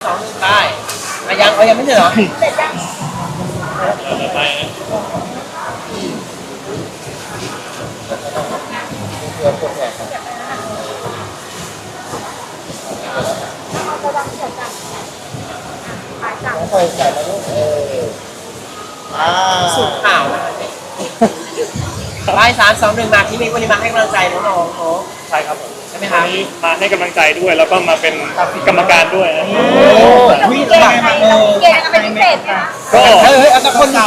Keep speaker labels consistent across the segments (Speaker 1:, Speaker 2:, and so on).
Speaker 1: 2 1ได้ยังไม่เสร็จเหรอ
Speaker 2: เสร็จยัง
Speaker 3: ไป
Speaker 2: เอาระวังเสร็จกันหายจัง
Speaker 4: ใส่ใส่แล้วลูก
Speaker 1: สูตรข่าวนะคะไป3 2 1มาที่มีวันนี้มาให้กำลังใจน้องๆเนาะ
Speaker 3: ใช่ครับผม
Speaker 1: ใช่ไหม
Speaker 3: วั
Speaker 1: คะ
Speaker 3: นนี้มาให้กำลังใจด้วยแล้วก็มาเป็นกรรมการด้วยนะ
Speaker 2: เรามีเกณฑ์ยังไงเรามีเกณฑ์ยังไงเป็นพิเศษไหมคะ
Speaker 3: ก็
Speaker 1: เอาแต่คนด่าก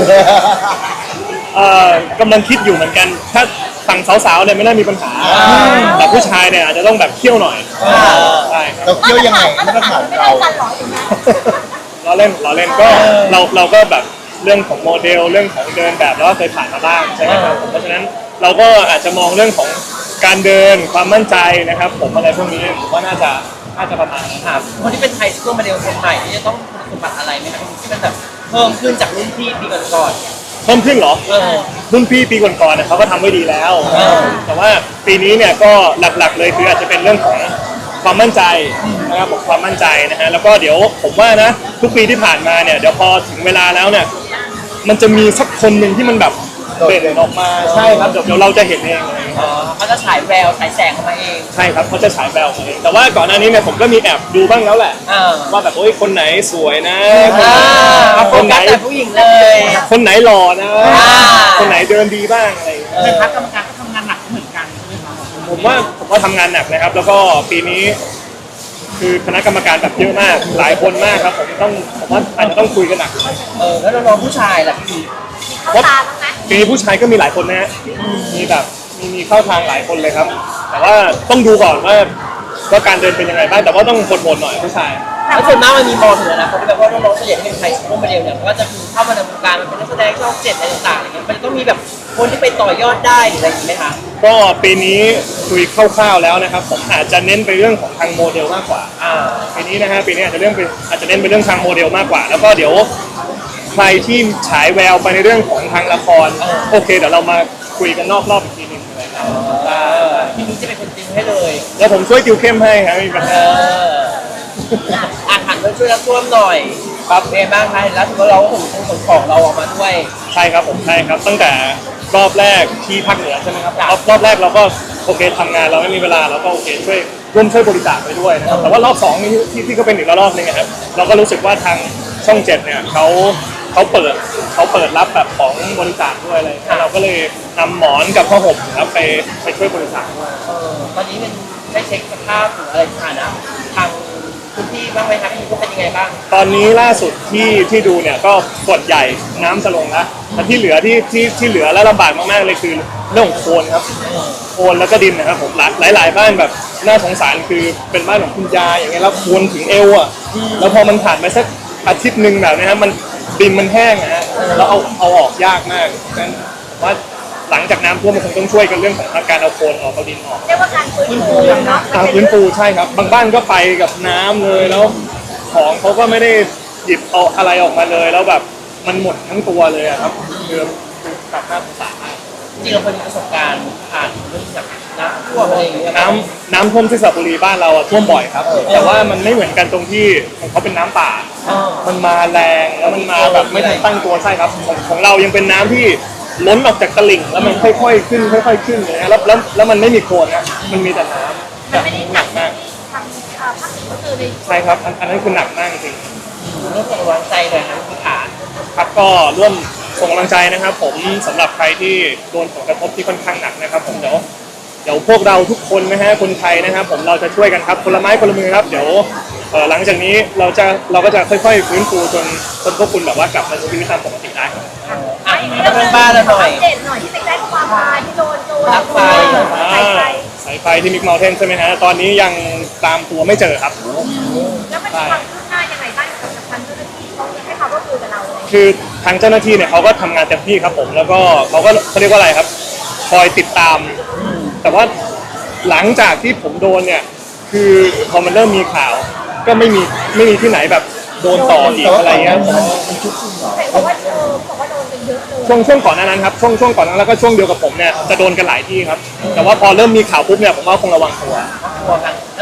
Speaker 3: ำลังคิดอยู่เหมือนกันถ้าฝั่งสาวๆเนี่ยไม่น่ามีปัญหาแต่ผู้ชายเนี่ยอาจจะต้องแบบเคี่ยวหน่อยใช่ครับ
Speaker 4: เราเคี่ยวยังไง
Speaker 2: มา
Speaker 4: มา
Speaker 2: ต
Speaker 4: ต
Speaker 2: ร
Speaker 4: ร
Speaker 2: ฐา
Speaker 4: ฐาน น
Speaker 2: ไม่
Speaker 4: เรา
Speaker 2: เท่ากันหรออย่างเงี้ย
Speaker 3: เราเล่นก็เราก็แบบเรื่องของโมเดลเรื่องของเดินแบบแล้วก็เคยผ่านมาบ้างใช่ไหมครับผมเพราะฉะนั้นเราก็อาจจะมองเรื่องของการเดินความมั่นใจนะครับผมอะไรพวกนี้ผมว่าน่าจะประมาณนั้น
Speaker 1: ครับคนที่เป็นไทยซูเปอร์โมเดลคนใหม่ที่จะต้องคุณสมบัติอะไรไหมครับที่มันแบบเพิ่มขึ้นจากรุ่นพี่ปีก่อน
Speaker 3: เพิ่มขึ้นเหรอรุ่นพี่ปีก่อนๆเนี่ยเขาก็ทำไว้ดีแล้วแต่ว่าปีนี้เนี่ยก็หลักๆเลยคืออาจจะเป็นเรื่องของความมั่นใจนะครับผมความมั่นใจนะฮะแล้วก็เดี๋ยวผมว่านะทุกปีที่ผ่านมาเนี่ยเดี๋ยวพอถึงเวลาแล้วเนี่ยมันจะมีสักคนหนึ่งที่มันแบบเด่นออกมาใช่ครับเดี๋ยวเราจะเห็นเองเลย
Speaker 1: เขาจะฉายแววฉายแสงออกมาเอง
Speaker 3: ใช่ครับเขาจะฉายแววมาเองแต่ว่าก่อนหน้านี้เนี่ยผมก็มีแอบดูบ้างแล้วแหละว่าแบบโอ้ยคนไหนสวยนะคนไหน
Speaker 1: แต่ผู้หญิงเลย
Speaker 3: คนไหนหล่อนะคนไหนเดินดีบ้างอะไรอย่างเงี้ย
Speaker 1: เป็นพักกรรมการก็ทำงานหนักเหมือนกันใช่ไหมครับ
Speaker 3: ผมว่าทำงานหนักนะครับ แล้วก็ปีนี้คือคณะกรรมการแบบเยอะมากหลายคนมากครับผมว่าอาจจะต้องคุยกันหนัก
Speaker 1: แล้วน้องๆผู้ชายล่ะพี่
Speaker 2: เข้าตาบ้างไหม
Speaker 3: ปีนี้ผู้ชายก็มีหลายคนนะฮะมีแบบมีเข้าทางหลายคนเลยครับ แต่ว่าต้องดูก่อนว่าการเดินเป็นยังไงบ้างแต่ว่าต้องโหดๆหน่อยผู้ชาย
Speaker 1: แล้วส่วนมากมันมีมองถึงนะเพราะแบบว่าน้องๆส่วนใหญ่ที่เป็นไทยซูเปอร์โมเดลเนี่ยก็จะคือเข้ามาในวงการมันเป็นนักแสดงช่อง7อะไรต่างๆอะไรเงี้ยมันต้องมีแบบคนที่ไปต่อยอดได้หรืออะไรอย่างนี้ไหมคะ
Speaker 3: ก็ปีนี้คุยคร่าวๆแล้วนะครับผมอาจจะเน้นไปเรื่องของทางโมเดลมากกว่าปีนี้นะฮะปีนี้อาจจะเน้นไปเรื่องทางโมเดลมากกว่า แล้วก็เดี๋ยวใครที่ฉายแววไปในเรื่องของทางละครโอเคเดี๋ยวเรามาคุยกันนอกรอบอีกทีหนึงอะไรครับ
Speaker 1: พี่นี้จะเป็นคนติวให้เลย
Speaker 3: แล้วผมช่วยติวเข้มให้ครับไม่มีปัญหา
Speaker 1: หันมาช่วยรับท่วมหน่อยครับเป็นไงบ้างคะแล้วถือว่าเราก็ขนของเราออกมาด้วย
Speaker 3: ใช่ครับผมใช่ครับตั้งแต่รอบแรกที่ภาคเหนือใช่ไหมครับรอบแรกเราก็โอเคทำงานเราไม่มีเวลาเราก็โอเคร่วมช่วยบริจาคไปด้วยนะครับแต่ว่ารอบ2นี่ที่ก็เป็นอีกรอบนึงนะครับเราก็รู้สึกว่าทางช่อง7เนี่ยเขาเปิดรับแบบของบริจาคด้วยอะไรเราก็เลยนำหมอนกับผ้าห่มครับไปช่วยบริจาคด้วย
Speaker 1: ตอนนี้มันได้เช็คสภาพหรืออะไรสถานะทางพื้นที่บ้างไหมครับพี่ก็เป็นยังไงบ้าง
Speaker 3: ตอนนี้ล่าสุดที่ดูเนี่ยก็ส่วนใหญ่น้ำจะลงแล้วแต่ที่เหลือที่เหลือและลำบากมากๆเลยคือเรื่องของโคลนครับโคลนแล้วก็ดินนะครับผมหลายบ้านแบบน่าสงสารคือเป็นบ้านของคุณยายอย่างเงี้ยแล้วโคลนถึงเอวอ่ะแล้วพอมันผ่านไปสักอาทิตย์นึงแบบนี้ครับมันดินมันแห้งนะฮะแล้วเอาออกยากมากงั้นผมว่าหลังจากน้ำท่วมมันคงต้องช่วยกันเรื่องของการเอาโคลนออกเอาดินออก
Speaker 2: เรียกว่าการฟื้นฟูเนาะ
Speaker 3: ทางพื้นปูใช่ครับบางบ้านก็ไปกับน้ำเลยแล้วของเขาก็ไม่ได้หยิบเอาอะไรออกมาเลยแล้วแบบมันหมดทั้งตัวเลยอะครับคือแบบน่าสงสารมาก
Speaker 1: จริงๆเราเคยมีประสบการณ์ผ่านเรื่องจากน้ำท่วมอะไรอย่างเงี้ย
Speaker 3: น้ำท่วมที่สระบุรีบ้านเราอะท่วมบ่อยครับแต่ว่ามันไม่เหมือนกันตรงที่ของเขาเป็นน้ำป่ามันมาแรงแล้วมันมาแบบไม่ทันตั้งตัวใช่ครับของเรายังเป็นน้ำที่ล้นออกจากตลิ่งแล้วมันค่อยๆขึ้นเลยนะแล้วมันไม่มีโคลนนะมันมีแต่น้ำ
Speaker 2: มันไม่ได้หนัก
Speaker 3: มาก
Speaker 2: ทางภาคเหนือก็คือใน
Speaker 3: ใช่ครับอันนั้นคือหนักมากจริง
Speaker 1: เรื่องของกำลังใจหน่อยนะพี่ขา
Speaker 3: ครับก็ร่วมส่งกำลังใจนะครับผมสำหรับใครที่โดนผลกระทบที่ค่อนข้างหนักนะครับผมเดี๋ยวพวกเราทุกคนนะฮะคนไทยนะครับผมเราจะช่วยกันครับคนละไม้คนละมือครับเดี๋ยวหลังจากนี้เราก็จะค่อยๆฟื้นฟูจนพวกคุณแบบว่ากลับมาใช้ชีวิตตามปกติได้ครับ
Speaker 1: เรื่องบ้านเราหน่อย
Speaker 2: เด่นหน่อยที่ไปแจ้งความมาที่โดน
Speaker 1: รักไฟ
Speaker 2: สายไฟ
Speaker 3: สายไฟที่มิกเมลเทนใช่ไหมฮะตอนนี้ยังตามตัวไม่เจอครับ
Speaker 2: แล้วมันมีความคืบหน้ายังไงบ้างกับทางเจ้าหน้าที่เขาให้ความร่วมมือกับเราเลย
Speaker 3: คือทางเจ้าหน้าที่เนี่ยเขาก็ทำงานเต็มที่ครับผมแล้วก็เขาเรียกว่าอะไรครับคอยติดตาม แต่ว่าหลังจากที่ผมโดนเนี่ยคือพอมันเริ่มมีข่าว ก็ไม่มีที่ไหนแบบโดนต่ออีกอะไรเงี้ย
Speaker 2: แต่บอกว่าบอกว่าโดนกันเยอะเลย
Speaker 3: ช่วงก่อนหน้านั้นครับช่วงก่อนนั้นแล้วก็ช่วงเดียวกับผมเนี่ยจะโดนกันหลายที่ครับแต่ว่าพอเริ่มมีข่าวปุ๊บเนี่ยผมว่าคงระวังตัว
Speaker 1: กลัวกันแล้วทางเจ้า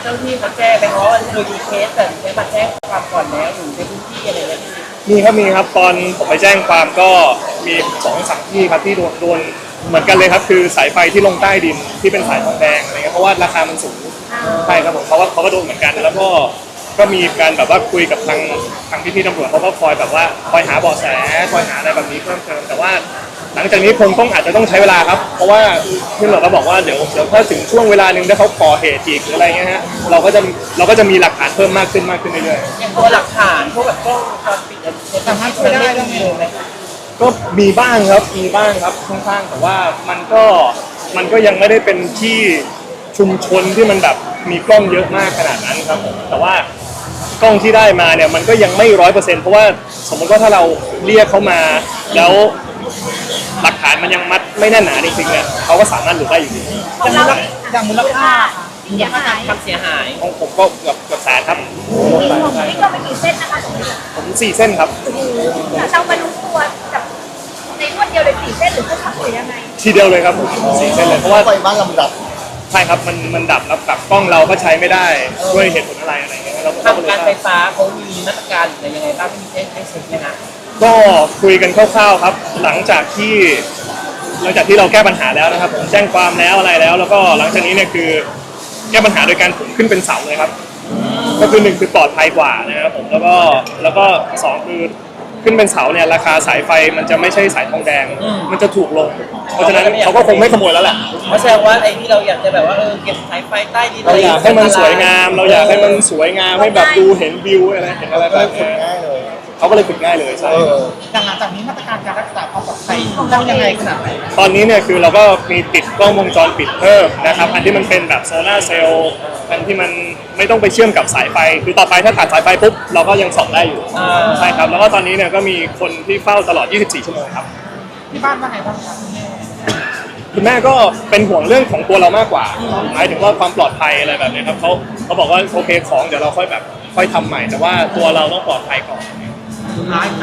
Speaker 1: เจ้าที่เขาแจ้งไปเพราะว่าเคยมีเคสแบบนี้มาแจ้งความก่อนแล้วอยู่ในพื้นที่อะไรเงี้ย
Speaker 3: มีครับตอนผมไปแจ้งความก็มี2-3ที่ครับที่โดนเหมือนกันเลยครับคือสายไฟที่ลงใต้ดินที่เป็นสายทองแดงอะไรเงี้ยเพราะว่าราคามันสูงใช่ครับผมเขาก็โดนเหมือนกันแล้วก็มีการแบบว่าคุยกับทางพี่ๆตำรวจเขาก็คอยแบบว่าคอยหาเบาะแสคอยหาอะไรแบบนี้เพิ่มเติมแต่ว่าหลังจากนี้คงอาจจะต้องใช้เวลาครับเพราะว่าที่เราก็บอกว่าเดี๋ยวถ้าถึงช่วงเวลาหนึ่งถ้าเขาก่อเหตุอีกหรืออะไรเงี้ยฮะเราก็จะมีหลักฐานเพิ่มมากขึ้นเรื่อยๆ
Speaker 1: อย่างตัวหลักฐานพวกแบบกล้องวงจรปิดเนี่ยสามารถช่วยได้บ้างไหม
Speaker 3: ก็มีบ้างครับค่อนข้างแต่ว่ามันก็ยังไม่ได้เป็นที่ชุมชนที่มันแบบมีกล้องเยอะมากขนาดนั้นครับผมแต่ว่ากล้องที่ได้มาเนี่ยมันก็ยังไม่100%เพราะว่าสมมติว่าถ้าเราเรียกเขามาแล้วหลักฐานมันยังมัดไม่แน่นหนาจริงๆเนี่ยเขาก็สามารถหลุดได้อยู่ดี
Speaker 2: ของเราอย่างมูลค่าที่เสียหาย
Speaker 1: ความเสียหาย
Speaker 3: ของผมก็เกือบแสนครับ
Speaker 2: นี่ก็เป็นกี่เส้นนะคะตรงนี้
Speaker 3: ผม4 เส้นครับ
Speaker 2: เรามารู้ตัวแบบในรวดเดียวเลย4 เส้นหรือเขาขับหรือยังไง
Speaker 3: ทีเดียวเลยครับผม4 เส้นเลยเพราะว่า
Speaker 4: ไฟบ้านลำดับ
Speaker 3: ใช่ครับมันดับแล้วแบบกล้องเราก็ใช้ไม่ได้ด้วยเหตุผลอะไรอย่างเงี้ยเราก็
Speaker 1: ทางการไฟฟ้าเขามีมาตรการหรือยังไงบ้างที่มีให้เช็คไหมคะ
Speaker 3: ก็คุยกันคร่าวๆครับหลังจากที่เราแก้ปัญหาแล้วนะครับผมแจ้งความแล้วอะไรแล้วก็หลังจากนี้เนี่ยคือแก้ปัญหาโดยการขึ้นเป็นเสาเลยครับก็คือ1คือปลอดภัยกว่านะครับผมแล้วก็2คือขึ้นเป็นเสาเนี่ยราคาสายไฟมันจะไม่ใช่สายทองแดงมันจะถูกลงเพราะฉะนั้นเขาก็คงไม่ขโมยแล้วแหละ
Speaker 1: เพราะแสดงว่าไอ้ที่เราอยากจะแบบว่าเก็บสายไฟใต้ดิน
Speaker 3: เราอยากให้มันสวยงามเราอยากให้มันสวยงามให้แบบดูเห็นวิวอะไรเห็นอะไร
Speaker 4: ก็
Speaker 3: แบ
Speaker 4: เลย
Speaker 3: บ
Speaker 4: ขุด
Speaker 3: นี้
Speaker 4: ง่ายเลย
Speaker 3: เขาก็เลยฝึกง่ายเลยใช่
Speaker 5: หลังจากนี้มาตรการการรักษาความปลอดภัยเรายังไงขนาดไหน
Speaker 3: ตอนนี้เนี่ยคือเราก็มีติดกล้องวงจรปิดเพิ่มนะครับอันที่มันเป็นแบบโซล่าร์เซลล์อันที่มันไม่ต้องไปเชื่อมกับสายไฟคือต่อไปถ้าตัดสายไฟปุ๊บเราก็ยังส่องได้อยู่ใช่ครับแล้วก็ตอนนี้เนี่ยก็มีคนที่เฝ้าตลอด 24 ชั่วโมงครับ
Speaker 5: ที่บ้านว่าไงบ้างครับคุณแม่
Speaker 3: คุณแม่ก็เป็นห่วงเรื่องของตัวเรามากกว่าหมายถึงว่าความปลอดภัยอะไรแบบนี้ครับเขาบอกว่าโอเคของเดี๋ยวเราค่อยทำใหม่แต่ว่าตัวเราต้องปลอดภัยก่อน
Speaker 5: สุดท้ายกับ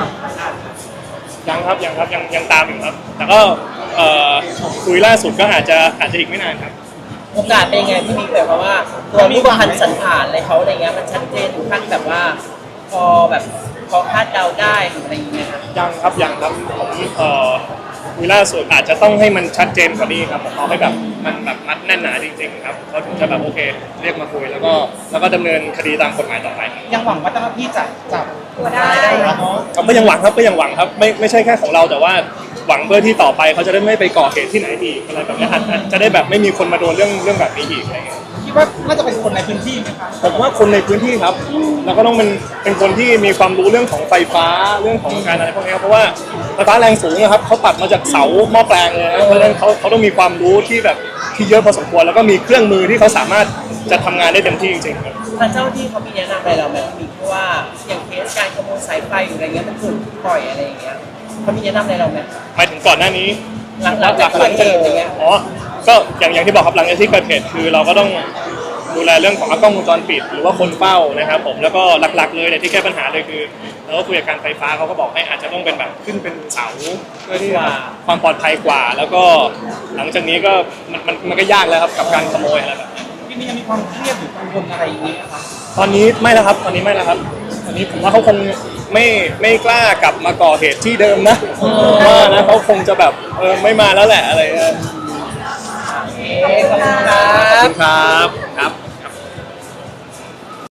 Speaker 3: ยังตามอยู่ครับ แต่ก็คุยล่าสุดก็อาจจะอีกไม่นานครับ
Speaker 1: โอกาสเป็นยังไงที่มีแบบว่าตัวรูปพรรณสันฐานอะไรเขาอะไรเงี้ยมันชัดเจนถึงขั้นแบบว่าพอคาดเดาได้หรืออะไรอย่างเงี้ยครับ
Speaker 3: ยังครับผมคุยล่าสุดอาจจะต้องให้มันชัดเจนกว่านี้ครับผมเอาให้แบบมันแบบมัดแน่นหนาจริงๆครับเขาถึงจะแบบโอเคเรียกมาคุยแล้วก็ดำเนินคดีตามกฎหมายต่อไปครับ
Speaker 5: ยังหวังว่าเจ้าหน้าที่จะจับ
Speaker 2: ตัวได้
Speaker 5: เนาะ
Speaker 3: ก็ยังหวังครับไม่ใช่แค่ของเราแต่ว่าหวังเพื่อที่ต่อไปเขาจะได้ไม่ไปก่อเหตุที่ไหนอีกอะไรแบบนี้อาจจะได้แบบไม่มีคนมาโดนเรื่องแบบนี้อีกอะไรเงี้ย
Speaker 5: คิดว่าน่าจะเป็นคนในพื้นที่ไหมคะ
Speaker 3: ผมว่าคนในพื้นที่ครับแล้วก็ต้องเป็นคนที่มีความรู้เรื่องของไฟฟ้าเรื่องของการอะไรพวกนี้ครับเพราะว่าไฟฟ้าแรงสูงนะครับเขาตัดมาจากเสาหม้อแปลงเลยนะเพราะฉะนั้นเขาต้องมีความรู้ที่แบบที่เยอะพอสมควรแล้วก็มีเครื่องมือที่เขาสามารถจะทำงานได้เต็มที่จริงๆครับ
Speaker 1: ทางเจ้าหน้าที่เขามีแนะนำอะไรเราไหมมีเพราะว่าอย่างเคสการขโมยสายไฟหรืออะไรเงี้ยมันถูกปล่อยอะไรอย่างเงี้ยเขามีแนะนำอะไรเราไหม
Speaker 3: หมายถึงก่อนหน้านี้
Speaker 1: หลังจากเกิดเหตุอะไรเงี้ย
Speaker 3: อ๋อก็อย่างที่บอกครับหลังจากที่เกิดเหตุคือเราก็ต้องดูแลเรื่องของกล้องวงจรปิดหรือว่าคนเฝ้านะครับผมแล้วก็หลักๆเลยเนี่ยที่แก้ปัญหาเลยคือเราก็คุยกับการไฟฟ้าเขาก็บอกให้อาจจะต้องเป็นแบบขึ้นเป็นเสาเพื่อที่ความปลอดภัยกว่า แล้วก็หลังจากนี้ก็มันก็ยากแล้วครับกับการขโมยอะไรแบบนี้
Speaker 5: ที่นี่ยังมีความเครียดหรือกังวลอะไรอย่างนี้ไหมครับ
Speaker 3: ตอนนี้ไม่แล้วครับตอนนี้ผมว่าเขาคงไม่กล้ากลับมาก่อเหตุที่เดิมนะว่านะเขาคงจะแบบไม่มาแล้วแหละอะไร
Speaker 1: ขอบคุณครั
Speaker 3: ขอบบ คุณครับ